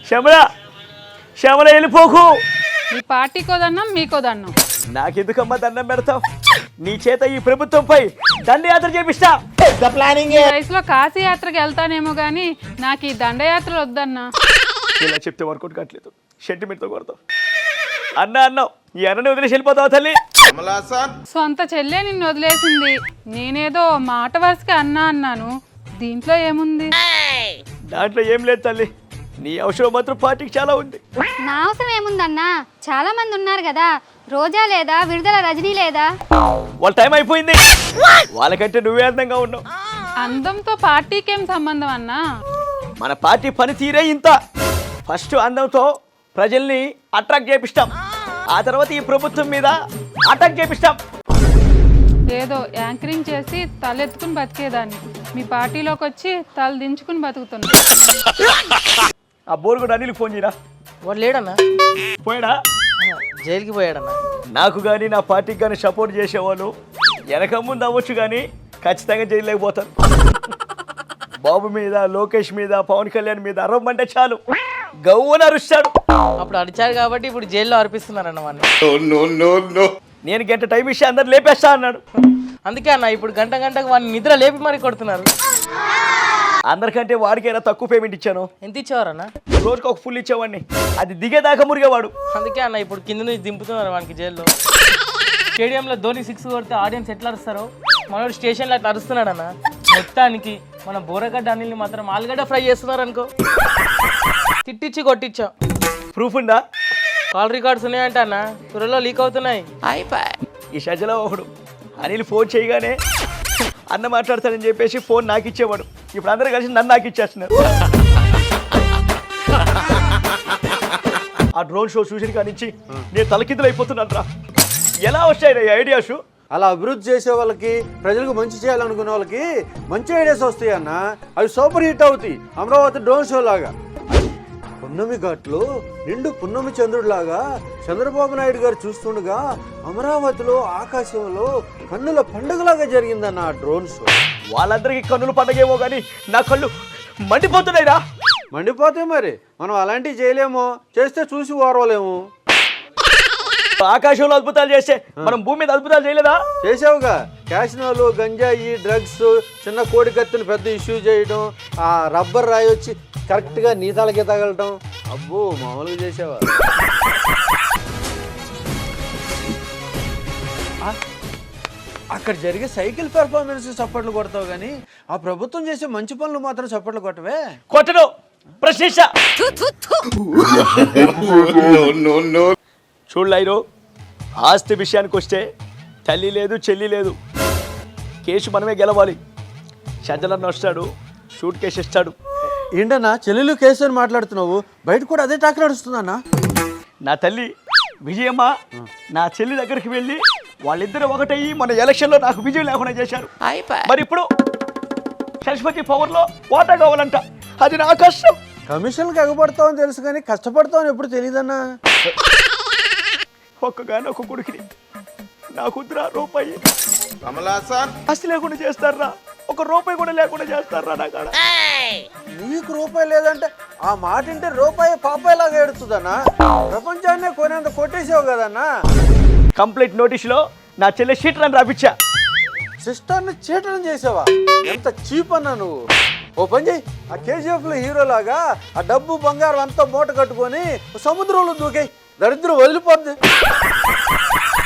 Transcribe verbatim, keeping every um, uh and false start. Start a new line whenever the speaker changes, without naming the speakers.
శ్యామల శ్యామల వెళ్ళిపోకు.
మీ పార్టీకోదన్నాం మీకోదన్నాం.
నాకెందుకమ్మా దండం పెడతావు? నీ చేత ఈ ప్రభుత్వంపై దండయాత్ర చేపిస్తా.
ఈ వయసులో కాశీ యాత్రకి వెళ్తానేమో గానీ నాకు ఈ దండయాత్రలు వద్దన్నా.
ఇలా చెప్తే వర్కౌట్ కావట్లేదు. సెంటిమెంట్తో కొడతావు. అన్న అన్నావు ఈ అన్నని వదిలేసి వెళ్ళిపోతావు తల్లి.
సొంత చెల్లె నిన్ను వదిలేసింది. నేనేదో మాట వరుసకి అన్నా అన్నాను. దీంట్లో ఏముంది?
దాంట్లో ఏం లేదు తల్లి. నీ అవసరం మాత్రం పార్టీకి చాలా ఉంది.
నా అవసరం ఏముందన్నా? చాలా మంది ఉన్నారు కదా. రోజా లేదా, విడుదల రజనీ లేదా?
వాళ్ళ టైం అయిపోయింది. వాళ్ళకంటే నువ్వే అందంగా ఉన్నావు.
అందంతో పార్టీకి ఏం సంబంధం అన్నా?
మన పార్టీ పనితీరే ఇంత. ఫస్ట్ అందంతో ప్రజల్ని అట్రాక్ట్ చేపిస్తాం. ఆ తర్వాత ఈ ప్రభుత్వం మీద అటాక్ చేపిస్తాం.
ఏదో యాంకరింగ్ చేసి తలెత్తుకుని బతికేదాన్ని. మీ పార్టీలోకి వచ్చి తల దించుకుని బతుకుతున్నా.
ఆ బోర్ కూడా అనిల్ ఫోన్ చేయరా.
వాడు లేడన్నా,
పోయాడా?
జైలుకి పోయాడన్నా.
నాకు కానీ నా పార్టీకి కానీ సపోర్ట్ చేసేవాళ్ళు వెనక ముందు అవ్వచ్చు కానీ ఖచ్చితంగా జైలులేకపోతారు. బాబు మీద, లోకేష్ మీద, పవన్ కళ్యాణ్ మీద అరవమంటే చాలు గవ్వని అరుస్తాడు.
అప్పుడు అరిచారు కాబట్టి ఇప్పుడు జైల్లో అర్పిస్తున్నారన్న వాడిని.
నేను గంట టైం ఇస్తే అందరు లేపేస్తా అన్నాడు.
అందుకే అన్న ఇప్పుడు గంట గంటకు వాడిని నిద్ర లేపి మరి కొడుతున్నారు.
అందరికంటే వాడికైనా తక్కువ పేమెంట్ ఇచ్చాను.
ఎంత ఇచ్చేవారన్నా?
రోజుకి ఒక ఫుల్ ఇచ్చేవాడిని. అది దిగేదాకా మురిగేవాడు.
అందుకే అన్న ఇప్పుడు కింద నుంచి దింపుతున్నారు వానికి జైల్లో. స్టేడియంలో ధోని సిక్స్ కొడితే ఆడియన్స్ ఎట్లా అరుస్తారో మనోడు స్టేషన్లో అట్లా అరుస్తున్నాడు అన్న. మొత్తానికి మన బోరగడ్డ అనిల్ని మాత్రం ఆలుగడ్డ ఫ్రై చేస్తున్నారు అనుకో. తిట్టించి కొట్టించా.
ప్రూఫ్ ఉందా?
కాల్ రికార్డ్స్ ఉన్నాయంట అన్న, త్వరలో లీక్ అవుతున్నాయి.
ఈ షజలో ఒకడు అనిల్ ఫోన్ చేయగానే అన్న మాట్లాడతాడని చెప్పేసి ఫోన్ నాకు ఇచ్చేవాడు. ఇప్పుడు అందరూ కలిసి నన్ను నాకు ఇచ్చేస్తున్నారు. ఆ డ్రోన్ షో చూసిన కానించి నేను తలకిందులు అయిపోతున్నాను రా. ఎలా వచ్చాయి ఈ ఐడియాస్?
అలా అభివృద్ధి చేసే వాళ్ళకి, ప్రజలకు మంచి చేయాలనుకునే వాళ్ళకి మంచి ఐడియాస్ వస్తాయి అన్న. అవి సూపర్ హిట్ అవుతాయి. అమరావతి డ్రోన్ షో లాగా. పున్నమి ఘాట్లో నిండు పున్నమి చంద్రుడిలాగా చంద్రబాబు నాయుడు గారు చూస్తుండగా అమరావతిలో ఆకాశంలో కన్నుల పండుగలాగా జరిగిందన్న ఆ డ్రోన్ షో.
వాళ్ళందరికీ కన్నుల పండుగేమో కానీ నా కళ్ళు మండిపోతున్నాయిరా.
మండిపోతే మరి మనం అలాంటివి చేయలేమో, చేస్తే చూసి ఓర్వలేము.
ఆకాశంలో అద్భుతాలు చేస్తే మనం భూమి మీద అద్భుతాలు చేయలేదా?
చేసావుగా. క్యాసినోలు, గంజాయి, డ్రగ్స్, చిన్న కోడి కత్తులు పెద్ద ఇష్యూ చేయడం, ఆ రబ్బర్ రాయి వచ్చి కరెక్ట్గా నీతాలకి తగలటం. అబ్బో మామూలుగా చేసావా? అక్కడ జరిగే సైకిల్ పెర్ఫార్మెన్స్ చప్పట్లు కొడతావు కానీ ఆ ప్రభుత్వం చేసే మంచి పనులు మాత్రం చప్పట్లు కొట్టవే.
కొట్టను. ప్రశ్నించ చూడలేరు. ఆస్తి విషయానికి వస్తే తల్లి లేదు, చెల్లి లేదు. కేసు మనమే గెలవాలి. షజలన్న వస్తాడు, షూట్ కేసు ఇస్తాడు.
ఏంటన్నా చెల్లెలు కేసు అని మాట్లాడుతున్నావు? బయట కూడా అదే టాక్ నడుస్తుందన్నా.
నా తల్లి విజయమ్మ నా చెల్లి దగ్గరికి వెళ్ళి వాళ్ళిద్దరు ఒకటయ్యి మన ఎలక్షన్లో నాకు విజయం లేకుండా చేశారు. మరి ఇప్పుడు సరస్వతి పవర్లో వాటా కావాలంట. అది నా కష్టం.
కమిషన్కి ఎగబడతావని తెలుసు కానీ కష్టపడతావని ఎప్పుడు తెలియదన్నా.
ఒక్కగానే ఒక కొడుకుని నాకుద్రా రూపాయి ఆస్తి లేకుండా చేస్తారా? ఒక రూపాయి కూడా లేకుండా చేస్తారా నా కాడ?
నీకు రూపాయి లేదంటే ఆ మాట అంటే రూపాయి పాపాయిలాగా ఎడుతుందన్నా. ప్రపంచాన్నే కొనేంత కొట్టేసావు కదన్నా.
కంప్లీట్ నోటీసులో నా చెల్లె షీటర్ అని రాపిచ్చా.
సిస్టర్ని చీటనం చేసావా? ఎంత చీప్ అన్నా నువ్వు. ఓ పని చేయి, ఆ కేజీఎఫ్ లో హీరో లాగా ఆ డబ్బు బంగారం అంతా మూట కట్టుకొని సముద్రంలో దూకాయి. దరిద్రం వదిలిపోద్ది.